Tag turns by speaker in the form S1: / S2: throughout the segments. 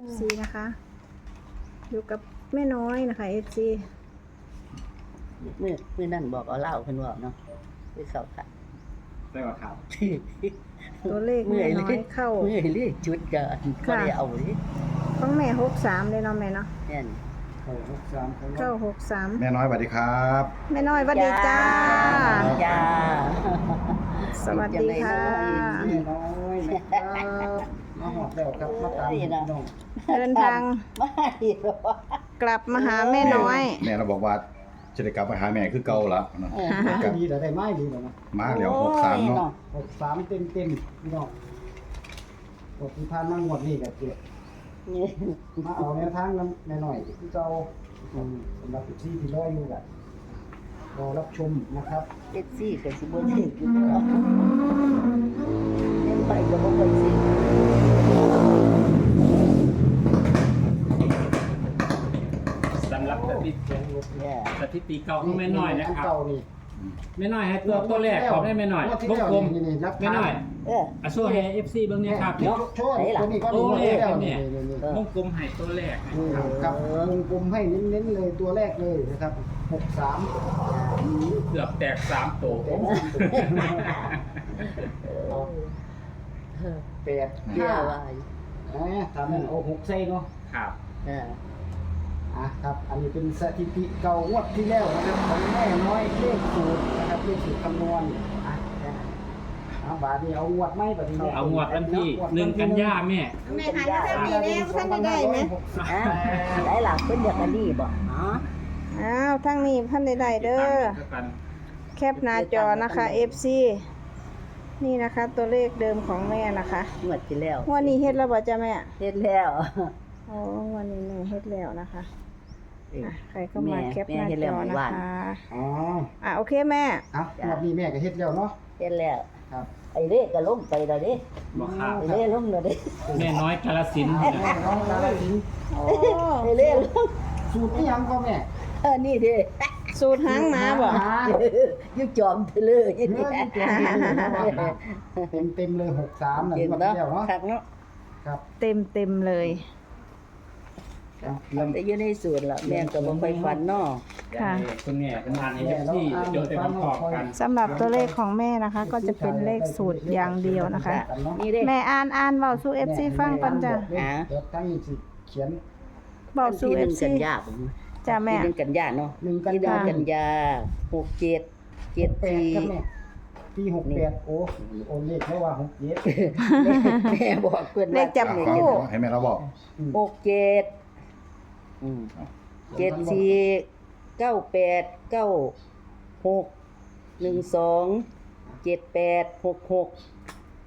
S1: FC นะคะอยู่กับแม่น้อยนะคะ FC
S2: มือนั่นบอกเอาเหล้าเพิ่นว่าเนาะคือเข้าค่ะ
S3: ได้ว่าครับ
S1: ตัวเลขแม่น้อยเข้า
S2: เมื่อยเลยจุดก็บ่ได้เอาเลย
S1: ต้องแม่63เลยเนาะแม่เนาะ
S2: แม่น
S1: เข้า63
S4: แม่น้อยสวัสดีครับ
S1: แม่น้อยสวัสดีจ้า
S2: จ้า
S1: สวัสดีค่ะ
S3: แม่น้อยนะครับมาหอดแล้วครับมาตามพี่น้อง
S1: เดินทาง
S2: ไม่หรอก
S1: กลับมาหาแม่น้อย
S4: แม่เราบอกว่าจะได้กลับไปหาแม่คือเก่าละเนาะ
S3: ก็ดีแต่ได้ไม้ดีแล้วนะ
S4: มาแล้ว63เนาะ
S3: 63เต็มพี่น้องหมดที่ผ่านมางวดนี้ก็เจ็บ
S2: นี่
S3: มาเอาแนวทางนำแม่น้อยที่เก่าสำหรับที่ที่รออยู่ก็รอรับชมนะครับ
S2: เจ็ดซี่ก็สิบ่ได้อยู่เนาะเล่นไปก็บ่ค่อยสิ
S5: สำหรับสถิติ
S2: เนี่ย
S5: สถิติเก่าของแม่น้อยนะครับ
S3: เก่านี่
S5: แม่น้อยให้ตัวแรกของแม่น้อย
S3: งวดที่
S5: วง
S3: แล้ว
S5: กลม
S3: นี่รับ
S5: แม่น้อย
S2: เออ
S5: โซ่ให้ FC เบิ่งเนี่ยครับ
S3: เนาะโชว์ตัวนี้ก็
S5: ตัวแรก
S3: แล้ว
S5: เนี่ย
S3: นี่
S5: วงกลมให้ตัวแรกนะ
S3: นี่
S5: ครับ
S3: ครับวงกลมให้เน้นๆเลยตัวแรกเลยนะครับ63
S5: เกือบแตก3ตัว
S3: แปด
S2: เชื่อว่า
S3: ทำให้เอา6ใส่เนาะ
S5: ครับ
S2: เออ
S3: ครับ อันนี้เป็นสถิติเก่างวดที่แล้วนะครับของแม่น้อยเลขสูตรนะครับเลขสูตรคำนวณบาทนี้เอางวดไหมบาทนี้
S5: เอางวดวันที่1กันยาแม่
S1: แม่หันมาทางนี้แล้วท่านได้ไหม
S2: อ่ะได้หลักเพิ่นอยากอันนี้บ่อ๋อ
S1: อ้าวทางนี้ท่านได้เด้อแคปหน้าจอนะคะ FC นี่นะคะตัวเลขเดิมของแม่นะคะ
S2: งวดที่แล้ว
S1: งวันนี้เฮ็ดแล้วบ่จ้ะแม่
S2: เฮ็ดแล้ว
S1: อ๋อวันนี้แม่เฮ็ดแล้วนะคะ
S2: เอ้ย
S1: ใครเข้ามาแคปหน้า
S2: แม่เฮ็ดแล้
S1: จ
S2: ว
S1: อ
S2: เมื่อ
S1: นะ
S2: วาน
S1: คะ
S3: อ๋อ
S1: โอเคแม่
S3: งวดนี้แม่ก็เฮ็ดแล้วเนาะ
S2: เฮ็ดแล้ว
S3: ครับ
S2: ไอ้เล่ก็ลงไปแล้วเด้
S5: บ่ครับ
S2: ไอ้เล่ลงแล้วเด้
S5: แม่น้อยกาฬสินธุ์เนี่ย
S3: น้องกาลสินธุ์
S1: โอ้
S2: ไอ้เล่ลง
S3: สูตรที่ยังก็แม่
S2: นี่เด้
S1: สูตรหางหมาบ่
S2: อยู่จอมเธอเลย
S3: เต็มเลย63นั่น
S2: เก่ง
S3: งวด
S2: เนาะ
S3: ที่แล้วเนาะ
S2: คักเนาะ
S3: ครับ
S1: เต็มเลย
S2: แต่อยู่ในสวนล่ะแม่ก็บ่ค่อยฝันเนาะ
S1: ค่ะ
S5: คุณแม่เป็นงานให้ FC เดี๋ยวจะมาตอบกัน
S1: สำหรับตัวเลขของแม่นะคะ ก็จะเป็นเลขสูตรอย่างเดียวนะคะ
S2: นี่เด้
S1: แม่อ่านเว้าสู่ FC ฟังก่อนจ้ะ
S3: เดี๋ยวตั้งสิเขียน
S1: เว้าสู่
S2: ที่
S1: FC
S2: 1กันยา
S1: จ้ะแม่
S2: ที่1กันยาเนาะ
S3: 1กัน
S2: ที่
S3: ยา
S2: 1กันยา67
S3: 8ครับแม่
S2: 74
S3: ปี68โอ้เลขแค่ว่า67
S2: แม่บอกเพิ่น
S1: เล
S2: ว่า
S1: ขจับ
S4: ฟัง
S1: คู่
S4: ให้แม่เราบอก
S2: 6774 98 96 12 78 66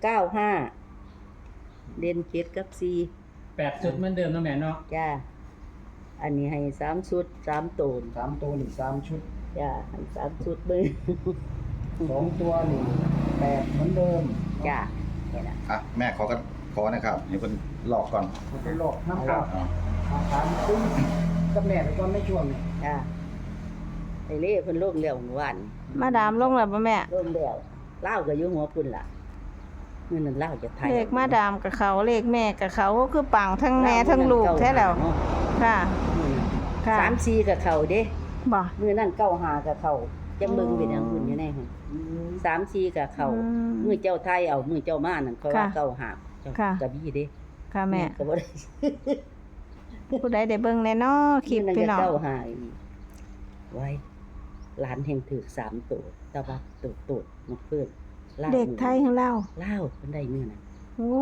S2: 95เด่น7กับ4
S5: 8 ชุดเหมือนเดิมเนาะแม่เนาะ
S2: จ้า อันนี้ให้3ชุด3ตูน
S3: 3ตัวนี่3ชุด
S2: จ้าให้3ชุดเบิ่ง
S3: 2ตัวนี่8เหมือนเดิม
S2: จ้านี่ล่ะ
S4: แม่ขอนะครับนี่เพิ่นหลอกก่อน
S3: ไปหลอกน้ำครับ
S4: เอา
S3: ถามคุ้มกับแม่ไปก่อนในช่วงนี้
S2: จ้าไอ้เล่เพิ่นลงแล้วเมื่อวาน
S1: มาดามลงแล้วบ่แม่
S2: ลงแล้วลาวก็อยู่หัวพุ่นล่ะมื้อนั้นลาวจะไทย
S1: เลขมาดามกับเขาเลขแม่กับเขาก็คือปังทั้งแม่ทั้งลูกแท้แล้ว ค่ะ ค่ะ
S2: 3-4กับเขาเด้
S1: บ่
S2: มื้อนั้น9-5กับเขาจังเบิ่งเป็นหยังหุ่นอยู่ในหั่น3-4กับเขา
S1: อืม
S2: มื้อเจ้าไทยเอามื้อเจ้ามานั่นเขาว่า
S1: ค่ะ
S2: เก้าหาเจ้า
S1: ค่ะ
S2: กระบี่เด้
S1: ค่ะแม่
S2: ก็บ่ได้
S1: ผู้ใดได้เบิ่งแน่เนาะคลิป
S2: มื้อ
S1: พี่
S2: นั้น
S1: น้อง
S2: ก็เก้าหาอีกไว้หลานแห่งถือ3ตัวแต่ว่าตัวนกเพิ่นลาว
S1: เด็กไทยของเรา
S2: ลาวเพิ่นได้มื้อนั้น
S1: โอ้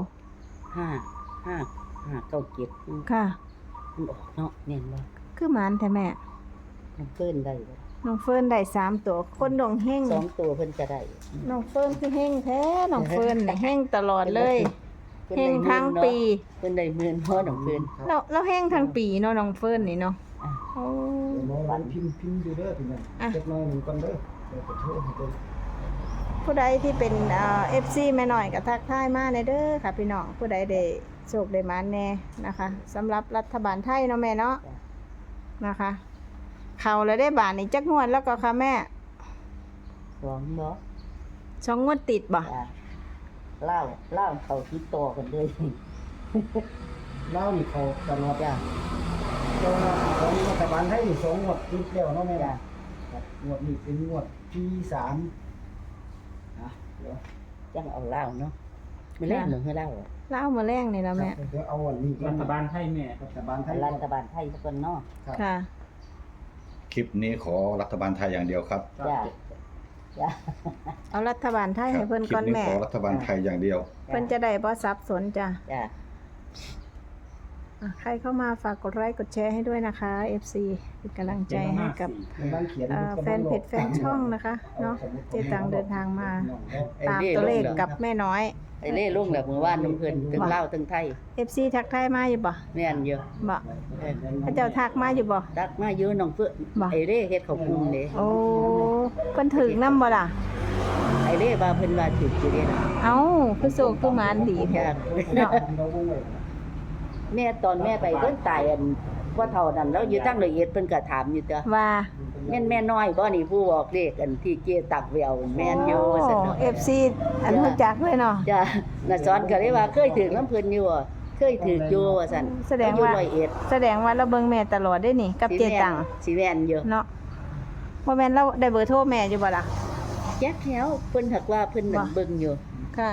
S2: 5
S1: ค่ะ
S2: มันออกเนาะแม่นบ่
S1: คือหมานแท้แม่
S2: น้องเพิ่นได้บ่
S1: น้องเฟิร์นได้3ตัวคนดงเฮง
S2: 2ตัวเพิ่นจะได้
S1: น้องเฟิร์นคือเฮงแท้น้องเฟิร์นน่ะเฮงตลอดเลย
S2: พิ่น
S1: เฮ
S2: ได้
S1: ง
S2: หมื่น
S1: ทั้ง
S2: เนาะ
S1: ปี
S2: เพิ่นได้หมื่นเพราะน้องเพิ่น
S1: เราเฮงทั้งปีเนาะน้องเฟิร์นนี่เนาะ
S2: อ่ะ
S1: โอ้
S3: วันพิมพ์ดูเด้อพี่น้องเจ็ดน้อยหนึ่งก่อนเด้อเดี๋ยวจะโทรให้เด้อ
S1: ผู้ใดที่เป็นFC แม่น้อยก็ทักทายมาในเด้อค่ะพี่น้องผู้ใดได้โชคได้หมานแน่นะคะสำหรับรัฐบาลไทยเนาะแม่เนาะนะคะ เข้าแล้วได้บาทนี่จักงวดแล้วก็ค่ะแม่
S2: สองเนาะ
S1: 2งวดติดบ่
S2: จ้ะเล่าเขาติดต่อกันเลย
S3: ลาวนี่เขาตลอด
S2: จ้ะ
S3: แต่ว่าของรัฐบาลไทยนี่2งวดติดแล้วเนาะแม่
S2: จ้ะ
S3: ครับงวดนี้เป็นงวดที่3เดี๋ยว
S2: จังเอาเหล้าเนาะไม่เล่นหรือให้เหล้า
S1: เล่ามาแรงนี่แล้วแม่
S3: เดี๋ยวเอาอันนี้ก่อ
S5: รั
S3: น
S5: ฐบาลไทยแม่
S3: รัฐบาลไทย
S2: รัฐบาลไทยสักคนเนาะ
S3: ครับ
S1: ค่ะ
S4: คลิปนี้ขอรัฐบาลไทยอย่างเดียวครับ
S2: จ้ะจ้ะ
S1: เอารัฐบาลไทย
S4: ค
S1: ให้
S4: รับ
S1: เพิ่น
S4: คลิ
S1: ก่
S4: ป
S1: อน
S4: นี้
S1: แม่
S4: ขอรัฐบาลไทยอย่างเดียว
S1: เพิ่นจะได้บ่สับสนจ้ะ
S2: จ้ะ
S1: ใครเข้ามาฝากกดไลค์กดแชร์ให้ด้วยนะคะ FC เป็นกำลังใจให้กับ
S3: กำลังเขียน
S1: แฟนเพจแฟนช่องนะคะเนาะเจตังเดินทางมาตามตัวเลขกับแม่น้อย
S2: ไอ้เล่ลุงแบบมือว่านน้ำเพิ่นถึงเหล้าถึงไทย
S1: FC ทักทายมาอยู่บ่
S2: แม่นเยอะ
S1: บ่พระเจ้าทักมาอยู่บ่
S2: ตักมาอยู่น้องเพื่อน
S1: บ่
S2: ไอ้เล่เฮ็ดข้าวปุ้งเด้
S1: โอ้เพิ่นถึงนำบ่ล่ะ
S2: ไอ้เล่ว่าเพิ่นว่าถูกสิเด้น่ะ
S1: เอ้าคือโศกคือหมานดี
S2: จ้ะ
S1: เนาะ
S2: แม่ตอนแม่ไปเพิ่นตายอันว่าเท่านั้นแล้วอยู่ตั้งละเอียดเพิ่นก็ถามอยู่ตัว
S1: ว่า
S2: แม่น้อยบ่นี่ผู้บอกเลขอันที่เจตักแววแม่นอยู่ว่าซั่นเนาะ
S1: FC อันรู้จักเลยเนาะ
S2: จ้ะน่ะสอนก็เลยว่าเคยถึงน้ำเพิ่นอยู่อะเคยถึกอยู่ว่าซั่น
S1: แสดงว่า
S2: อยู่ร้อยเอ็ด
S1: แสดงว่าเราเบิ่งแม่ตลอดได้นี่กับเจตัง
S2: สิแม่นอยู่
S1: เนาะบ่แม่นเราได้เบอร์โทรแม่อยู่บ่ล่ะ
S2: แจ๊กแถวเพิ่นหักว่าเพิ่นนั่นเบิ่งอยู่
S1: ค่ะ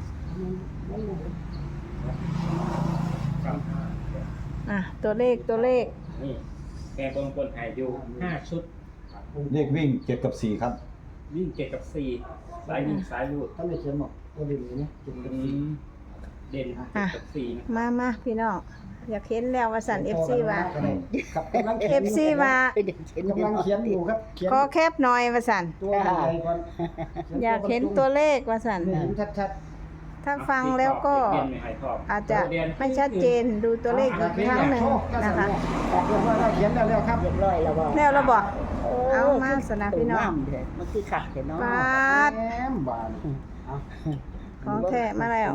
S1: ตัวเลข
S5: นี่แกบงกลหายอยู่5ชุด
S4: เลขวิ่ง7กับ4ครับ
S5: วิ่ง7กับ4สายวิ่งสายรูด
S3: ท่านได้เขียนบอกตัวเด่นเลยเนี่ยเขียนกัน
S5: เด่น7กับ4นะ
S1: มาพี่น้องอยากเห็นแล้วว่าสั่น FC ว่า
S3: ครับกำลังเขียน
S1: FC ว่า
S3: กำลังเขียนอยู่ครับเขียน
S1: ขอแคปหน่อยว่าสั่น
S3: ตัวใหญ่ก่อน
S1: อยากเห็นตัวเลขว่าสั่น
S3: เห็นชัด
S1: ถ้าฟังแล้วก็
S5: เรียนไม่หายทอง
S1: อาจจะไม่ชัดเจนดูตัวเลขอีกครั้งหนึ่งนะคะ
S3: เรียบร้อยแล้วเขียนแล้วครับ
S2: เรียบร้อยแล้วบ่
S1: แล้วเราบอกเอามาสนะพี่น้อง
S2: เด้มันคือคักแท้เนาะ
S1: ปาด
S3: แหมบาน
S1: ของแท้มาแล้ว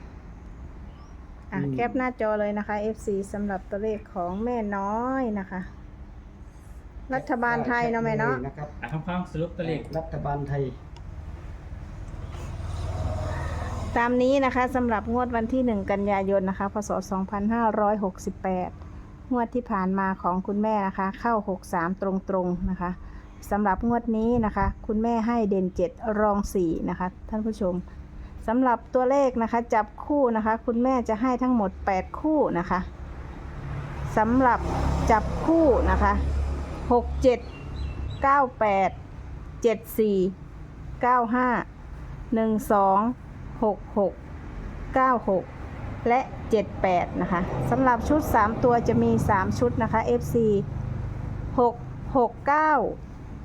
S1: แคปหน้าจอเลยนะคะ FC สำหรับตัวเลขของแม่น้อยนะคะ รัฐบาลไทยเนาะแม่เนาะ
S3: นะครับ
S5: ทำความสรุปตัวเลข
S3: รัฐบาลไทย
S1: ตามนี้นะคะสำหรับงวดวันที่ 1 กันยายนนะคะพศ 2568 งวดที่ผ่านมาของคุณแม่นะคะเข้า 63 ตรงๆนะคะสำหรับงวดนี้นะคะคุณแม่ให้เด่น 7 รอง 4 นะคะท่านผู้ชมสำหรับตัวเลขนะคะจับคู่นะคะคุณแม่จะให้ทั้งหมด 8 คู่นะคะสำหรับจับคู่นะคะ67 98 74 95 12 66 96 และ 78 นะคะสำหรับชุด 3 ตัวจะมี 3 ชุดนะคะ FC 669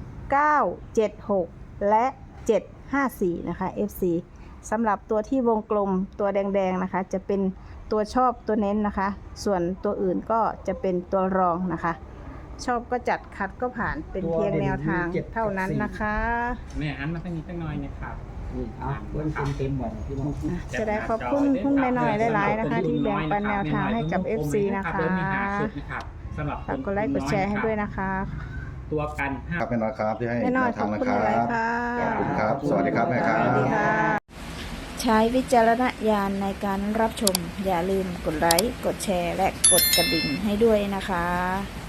S1: 976 และ 754 นะคะ FC สำหรับตัวที่วงกลมตัวแดงๆนะคะจะเป็นตัวชอบตัวเน้นนะคะ ส่วนตัวอื่นก็จะเป็นตัวรองนะคะ ชอบก็จัดขัดก็ผ่านเป็นเพียงแนวทางเท่านั้นนะคะ
S5: แม่อันมาตั้งนี้ตั้งน้อยนะครับ
S3: เอาเบิ้งเต็มๆบ่พี่น้อง
S1: จะได้ขอบคุณคุณแม่น้อยหลายๆนะคะ ที่แบ่งปันแนวทางให้กับ FC นะคะ
S5: สำหรับ
S1: ฝากกดไลค์กดแชร์ให้ด้วยนะคะ
S5: ตัวกัน5
S4: ครับแม่น้อยครับที่ให้
S1: แม่น้อย
S4: แนว
S1: ข
S4: ทา
S1: อบ
S4: งนะ
S1: คุณ
S4: ครั
S1: หลาย
S4: บ
S1: ๆค่ะ
S4: ขอบคุณครับ สวัสดีครับแม่ครั
S1: สวัสดี
S4: บ
S1: ค่ะ ใช้วิจารณญาณในการรับชม อย่าลืมกดไลค์ กดแชร์ และกดกระดิ่งให้ด้วยนะคะ